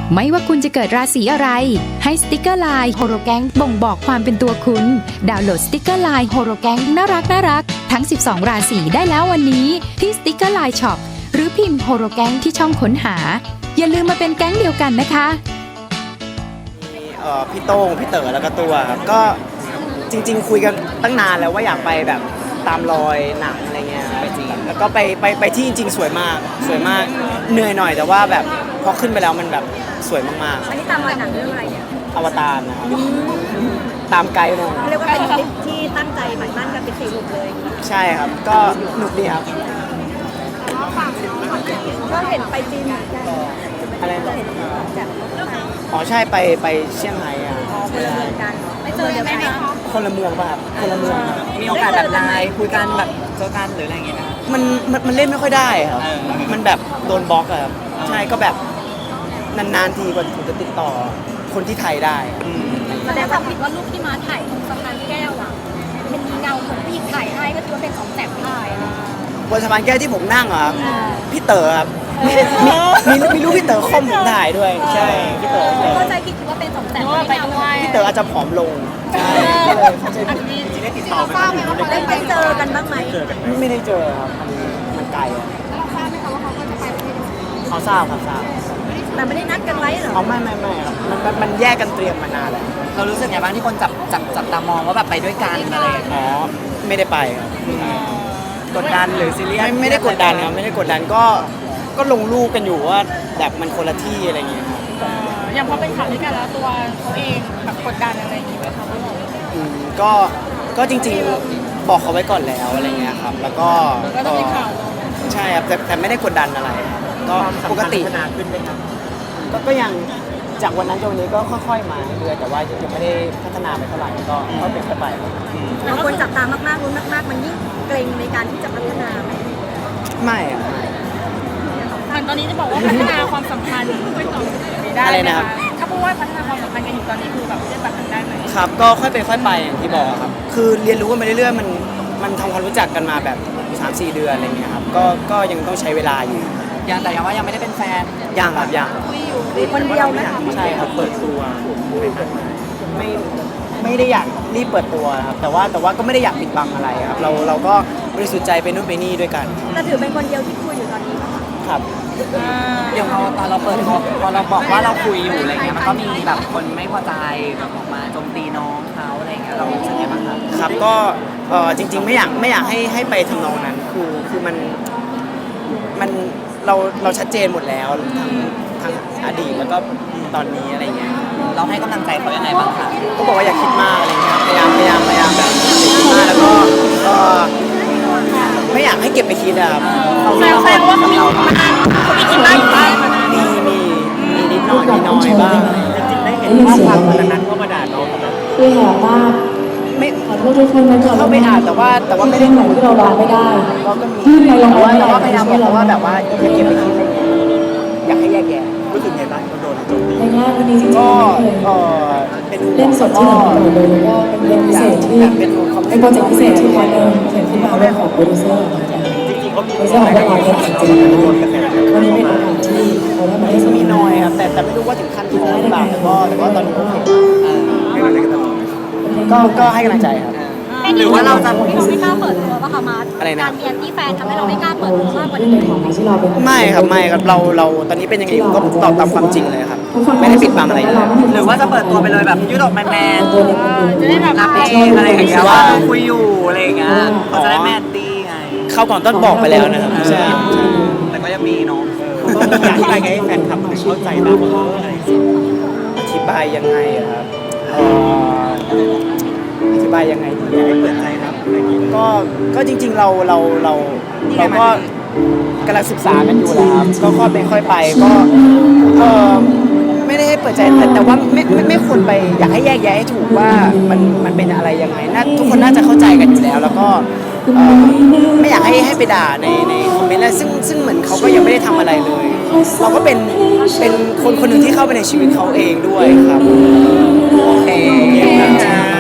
ไม่ว่าคุณจะเกิดราศีอะไรให้สติกเกอร์ไลน์โฮโรแกงบ่งบอกความเป็นตัวคุณดาวน์โหลดสติกเกอร์ไลน์โฮโรแกงน่ารักทั้ง 12 ราศีได้แล้ววันนี้ที่สติกเกอร์ไลน์ช็อปหรือพิมพ์โฮโรแกงที่ช่องค้นหาอย่าลืมมาเป็นแก๊งเดียวกันนะคะพี่โต้งพี่เต๋อแล้วก็ตัวครับก็จริงๆคุยกันตั้งนานแล้วว่าอยากไปแบบตามรอยหนังอะไรเงี้ยไปจีนแล้วก็ไปที่จริงๆสวยมากเหนื่อยหน่อยแต่ว่าแบบพอขึ้นไปแล้วมันแบบสวยมากๆอันนี้ตามรอยหนังเรื่องอะไรเนี่ยอวตารนะครับตามไกด์มาเรียกว่าเป็นทริปที่ตั้งใจหมั่นมั่นกันเป็น4หนุ่มเลยใช่ครับก็หนุกดีครับก็เห็นไปจีนอะไรนะอ๋อใช่ไปเชียงรายอ่ะคนละเมืองกันไม่เจอเดียวกันคนละเมืองป่ะครับคนละเมืองมีโอกาสแบบไลน์คุยกันแบบเจอกันหรืออะไรอย่างเงี้ยนะมันเล่นไม่ค่อยได้ครับมันแบบโดนบล็อกอะครับใช่ก็แบบนานๆทีกว่าผมจะติดต่อคนที่ไทยได้แสดงความผิดว่ารูปที่มาถ่ายตรงสะพานแก้วอ่ะเป็นมีเงาของผู้หญิงถ่ายให้ก็ถือว่าเป็นของแสบถ่ายบนสะพานแก้วที่ผมนั่งอ่ะพี่เต๋อครับมีรูปพี่เต๋อคอมผมถ่ายด้วยใช่พี่เต๋อเข้าใจผิดคิดว่าเป็นของแสบไปด้วยพี่เต๋ออาจจะผอมลงใช่เข้าใจผิดได้ติดต่อไหมว่าได้ไปเจอกันบ้างไหมไม่ได้เจอครับมันไกลอ่ะเราทราบไหมคะว่าเขาก็จะไปประเทศเขาทราบครับทราบแต่ไม่ได้นัดกันไว้เหรอไม่ครับมันแยกกันเตรียมมานานแล้วเรารู้สึกไงบ้างที่คนจับตามองว่าแบบไปด้วยกันอะไรอ๋อไม่ได้ไปครับกดดันหรือซีเรียสไม่ได้กดดันครับไม่ได้กดดันก็ลงรูปกันอยู่ว่าแบบมันคนละที่อะไรเงี้ยอย่างพอเป็นข่าวด้วยกันแล้วตัวเขาเองแบบกดดันอะไรอย่างงี้ไหมคะก็จริงๆบอกเขาไว้ก่อนแล้วอะไรเงี้ยครับแล้วก็ต้องมีข่าวใช่ครับแต่ไม่ได้กดดันอะไรก็ปกติพัฒนาขึ้นไหมครับก็ยังจากวันนั้นจนวันนี้ก็ค่อยๆมาเรื่อยๆแต่ว่ายังไม่ได้พัฒนาไปเท่าไหร่ก็เป็นไปบางคนจับตามากๆรุ้นมากๆมันยิ่งเกรงในการที่จะพัฒนาไหมไม่อะตอนนี้จะบอกว่าพัฒนาความสัมพันธ์ไปต่อได้ไหมคะถ้าพูดว่าพัฒนาความสัมพันธ์กันอยู่ตอนนี้คือแบบจะแบบนั้นได้ไหมครับก็ค่อยไปค่อยไปอย่างที่บอกครับคือเรียนรู้กันไปเรื่อยๆมันทำความรู้จักกันมาแบบ 3-4 เดือนอะไรเงี้ยครับก็ยังต้องใช้เวลาอยู่แต่ยังว่ายังไม่ได้เป็นแฟนยังครับยังคนเดียวนะใช่ครับเปิดตัวไม่ได้อยากรีบเปิดตัวครับแต่ว่าก็ไม่ได้อยากปิดบังอะไรครับเราก็บริสุทธิ์ใจไปนู่นไปนี่ด้วยกันแต่ถือเป็นคนเดียวที่คุยอยู่ตอนนี้ครับอย่างตอนเราเปิดพอเราบอกว่าเราคุยอยู่อะไรเงี้ยมันก็มีแบบคนไม่พอใจแบบออกมาโจมตีน้องเขาอะไรเงี้ยเรารู้สึกยังไงบ้างครับครับก็จริงๆไม่อยากให้ไปทำนองนั้นคือมันเราชัดเจนหมดแล้วทั้งอดีตแล้วก็ตอนนี้อะไรเงี้ยเราให้กำลังใจเขายังไงบ้างคะก็บอกว่าอย่าคิดมากอะไรเงี้ยพยายามแบบคิดมากแล้วก็ไม่อยากให้เก็บไปคิดอะครับแสดงว่าเขามีคิดมากอยู่บ้างมีนิดหน่อยบ้างจริงๆได้เห็นข้อความวันนั้นก็มาด่าน้องคือหอมมากไม่ขอโทษทุกคนนะเข้าไปอ่านแต่ว่าไม่ได้เหมือนที่เราร้องไม่ได้ก็มีแต่ว่าพยายามบอกว่าแบบว่าอย่าเก็บไปคิดอะไรเงี้ยอยากให้แยกแยะรู้สึกไงบ้างโดนโจมตีในงานวันนี้จริงๆก็เป็นเล่นสดที่เราเลยก็เป็นพิเศษที่เป็นโปรเจกต์พิเศษที่วันนึงเขียนขึ้นมาด้วยของโปรดิวเซอร์โปรดิวเซอร์ของเราเนี่ยจริงๆวันนี้เป็นโอกาสที่เราได้มาได้สมีน้อยครับแต่ไม่รู้ว่าถึงขั้นท้องหรือเปล่าแต่ว่าตอนนี้โอเคก็ให้กำลังใจครับหรือว่าเราจะที่เราไม่กล้าเปิดตัวว่าค่ะมาการมีแอนตี้แฟนทำให้เราไม่กล้าเปิดตัวมากกว่านี้ไม่ครับเราตอนนี้เป็นยังไงก็ตอบตามความจริงเลยครับไม่ได้ปิดบังอะไรเลยหรือว่าจะเปิดตัวไปเลยแบบยืดออกแมนจะได้แบบรับเองอะไรอย่างเงี้ยว่าคุยอยู่อะไรอย่างเงี้ยเขาจะได้แมนตี้ไงเข้าก่อนต้นบอกไปแล้วนะครับใช่แต่ก็ยังมีเนาะอยากให้แฟนคลับเข้าใจบ้างว่าอธิบายยังไงครับอธิบายยังไงดีให้เปิดใจครับก็จริงๆเราก็กำลังศึกษากันอยู่แล้วครับก็ค่อยไปค่อยไปก็ไม่ได้ให้เปิดใจแต่ว่าไม่ควรไปอยากให้แยกแยะให้ถูกว่ามันเป็นอะไรยังไงทุกคนน่าจะเข้าใจกันอยู่แล้วก็ไม่อยากให้ไปด่าในคอมเมนต์แล้วซึ่งเหมือนเขาก็ยังไม่ได้ทำอะไรเลยเราก็เป็นคนหนึ่งที่เข้าไปในชีวิตเขาเองด้วยครับโอเค